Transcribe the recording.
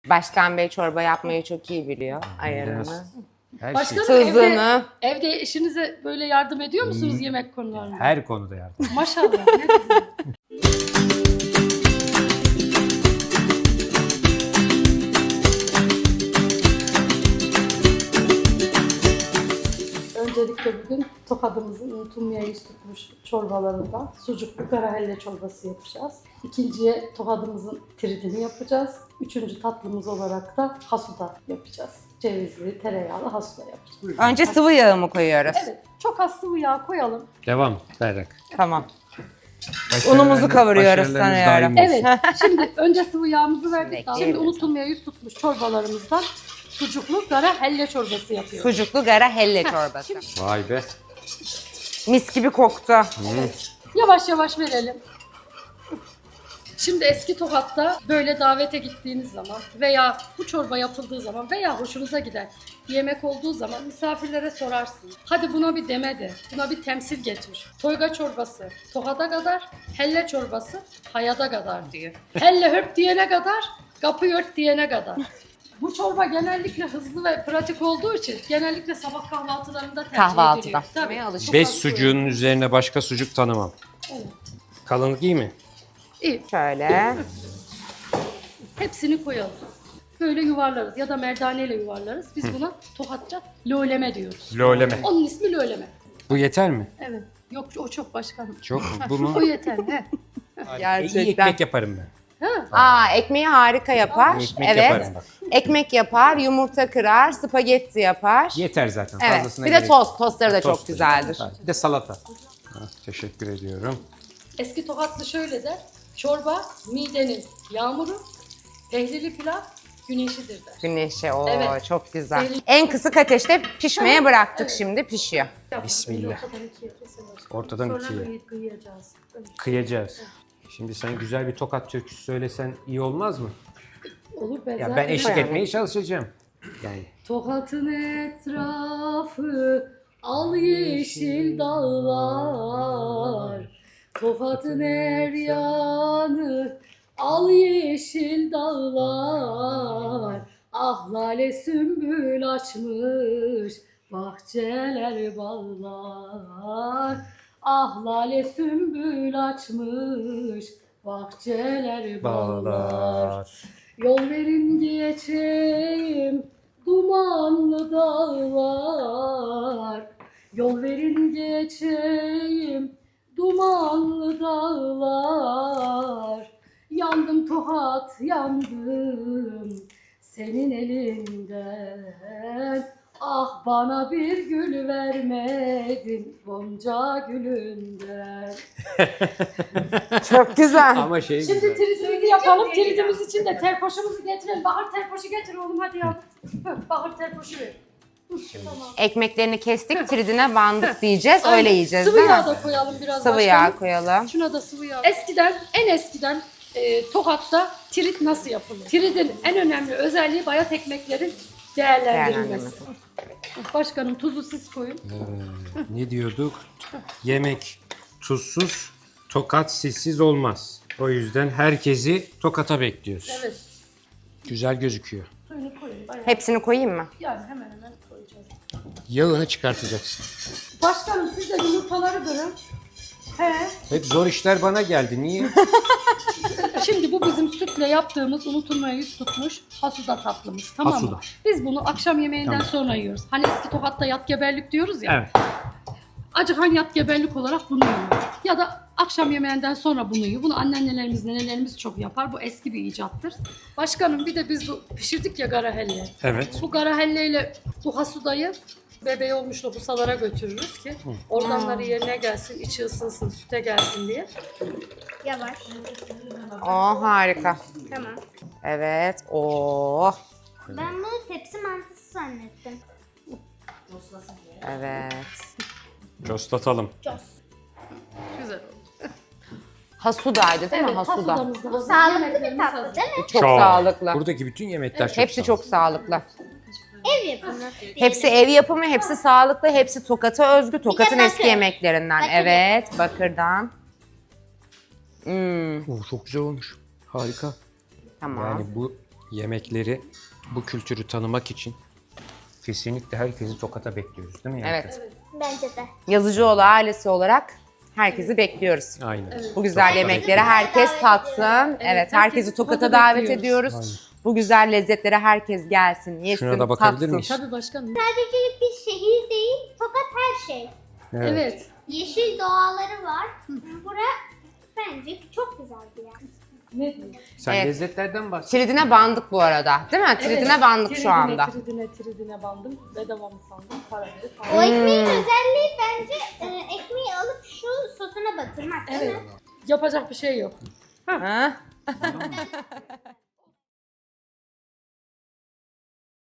Başkan Bey çorba yapmayı çok iyi biliyor. Ayarını. Her Başkanım Tuzunu. evde eşinize böyle yardım ediyor musunuz yemek konularında? Her konuda yardım. Maşallah ne güzel. Öncelikle bugün Tokat'ımızın unutulmaya yüz tutmuş çorbalarından sucuklu karahelle çorbası yapacağız. İkinciye Tokat'ımızın tiridini yapacağız. Üçüncü tatlımız olarak da hasuda yapacağız. Cevizli, tereyağlı hasuda yapacağız. Önce sıvı yağı mı koyuyoruz? Evet, çok az sıvı yağ koyalım. Devam Berrak. Tamam. Unumuzu kavuruyoruz sanıyorum. Evet, şimdi önce sıvı yağımızı verdik. Şimdi Bekleyelim. unutulmaya yüz tutmuş çorbalarımızdan sucuklu karahelle çorbası yapıyoruz. Sucuklu gara helle çorbası. Vay be. Mis gibi koktu. Yavaş yavaş verelim. Şimdi eski Tokat'ta böyle davete gittiğiniz zaman veya bu çorba yapıldığı zaman veya hoşunuza gider bir yemek olduğu zaman misafirlere sorarsınız. Hadi buna bir deme de, buna bir temsil getir. Toyga çorbası Tokat'a kadar, helle çorbası hayada kadar diyor. Helle hörp diyene kadar, kapı yört diyene kadar. Bu çorba genellikle hızlı ve pratik olduğu için genellikle sabah kahvaltılarında tercih Kahvaltıda. ediliyor. Tabii. Çok Beş az sucuğunun üzerine başka sucuk tanımam. Evet. Kalınlık iyi mi? İyi. Şöyle. Hepsini koyalım. Böyle yuvarlarız ya da merdaneyle yuvarlarız. Biz buna Tokatça löleme diyoruz. Loleme. Onun ismi löleme. Bu yeter mi? Evet. Yok o çok başkanım. Çok mu? Ha, Bu mu? O yeter. He. Gerçekten. İyi ekmek yaparım ben. Aa, ekmeği harika yapar. Ekmek evet. yaparım bak. Ekmek yapar, yumurta kırar, spagetti yapar. Yeter zaten. Evet. Fazlasına Bir de gerek tost. Tostları da Tost çok da güzeldir. Ha, bir de salata. Ha, teşekkür ediyorum. Eski Tokatlı şöyle der. Çorba midenin yağmuru, pehlili pilav güneşidir der. Güneşe o Evet. çok güzel. Sevgili- En kısık ateşte pişmeye bıraktık, Evet. şimdi pişiyor. Bismillah. Ortadan ikiye keselim. Ortadan Sonra ikiye. kıyacağız. Kıyacağız. Şimdi sen güzel bir tokat türküsü söylesen iyi olmaz mı? Olur ben Ya zaten ben eşlik yaparım. etmeye çalışacağım. Yani Tokat'ın etrafı al yeşil dağlar. Tokat'ın her yanı al yeşil dağlar. Ah lale sümbül açmış bahçeler bağlar. Ah lale sümbül açmış bahçeler bağlar. Yol verin geçeyim dumanlı dağlar. Yol verin geçeyim dumanlı dağlar. Yandım Tokat yandım senin elinden. Ah bana bir gül vermedin Gonca gülünden. Çok güzel. Ama şey Şimdi güzel. tridimizi yapalım. Tridimiz için de terpoşumuzu getirelim. Bahar terpoşu getir oğlum hadi ya. Bahar terpoşu ver. Tamam. Ekmeklerini kestik, tridine bandık diyeceğiz. Öyle Aynen. yiyeceğiz Sıvı değil yağ mi? da koyalım biraz Sıvı başkanım. yağ koyalım. Şuna da sıvı yağ. En eskiden Tokat'ta tirit nasıl yapılır? Tiridin en önemli özelliği bayat ekmeklerin değerlendirilmesi. Başkanım tuzu siz koyun. Ne diyorduk? Yemek tuzsuz, tokat sessiz olmaz. O yüzden herkesi tokata bekliyoruz. Evet. Güzel gözüküyor. Suyunu koyun. Bayağı. Hepsini koyayım mı? Yani hemen hemen koyacağız. Yağını çıkartacaksın. Başkanım siz de yumurtaları kırın. He. Hep zor işler bana geldi. Niye? Şimdi bu bizim sütle yaptığımız unutulmaya yüz tutmuş hasuda tatlımız. Tamam Hasuda. mı? Biz bunu akşam yemeğinden Tamam. sonra yiyoruz. Hani eski Tokat'ta yat geberlik diyoruz ya. Evet. Acıkan yat geberlik olarak bunu yiyor. Ya da akşam yemeğinden sonra bunu yiyor. Bunu anneannelerimiz, nenelerimiz çok yapar. Bu eski bir icattır. Başkanım bir de biz bu pişirdik ya garahelle. Evet. Bu garahelleyle bu hasudayı bebeği olmuş lohusalara götürürüz ki organları yerine gelsin, içi ısınsın, süte gelsin diye. Yavaş. Oh harika. Tamam. Evet. Oh. Ben bunu tepsi mantısı zannettim. Evet. Coslatalım. Çok. Güzel oldu. Hasudaydı değil mi? Evet, Hasuda. hasudamız da hazır. Sağlıklı bir Yemeklerimiz tatlı hazır. değil mi? Çok sağlıklı. Buradaki bütün yemekler çok Hepsi sağlıklı. çok sağlıklı. Ev yapımı. Hepsi ev yapımı, hepsi sağlıklı, hepsi Tokat'a özgü. Tokat'ın bakır. eski yemeklerinden. Bakır. Evet, bakırdan. Çok güzel olmuş. Harika. Tamam. Yani bu yemekleri, bu kültürü tanımak için kesinlikle herkesi Tokat'a bekliyoruz değil mi? Yankı? Evet. Bence de. Yazıcıoğlu ailesi olarak herkesi bekliyoruz. Aynen. Bu güzel yemekleri herkes tatsın. Evet, herkesi Tokat'a davet ediyoruz. Aynen. Bu güzel lezzetlere herkes gelsin, yesin, Şuna da bakabilir tatsın. miyiz? Tabii başkanım. Sadece bir şehir değil, Tokat her şey. Evet. Yeşil doğaları var. Bura bence çok güzel bir yer. Ne diyeyim? Sen Evet. lezzetlerden bahset. Tridine bandık bu arada. Değil mi? Tridine bandık şu anda. Tridine bandım. Bedava mı sandım? Para verip O aldım. ekmeğin özelliği bence ekmeği alıp şu sosuna batırmak değil Evet. mi? Yapacak bir şey yok. Ha?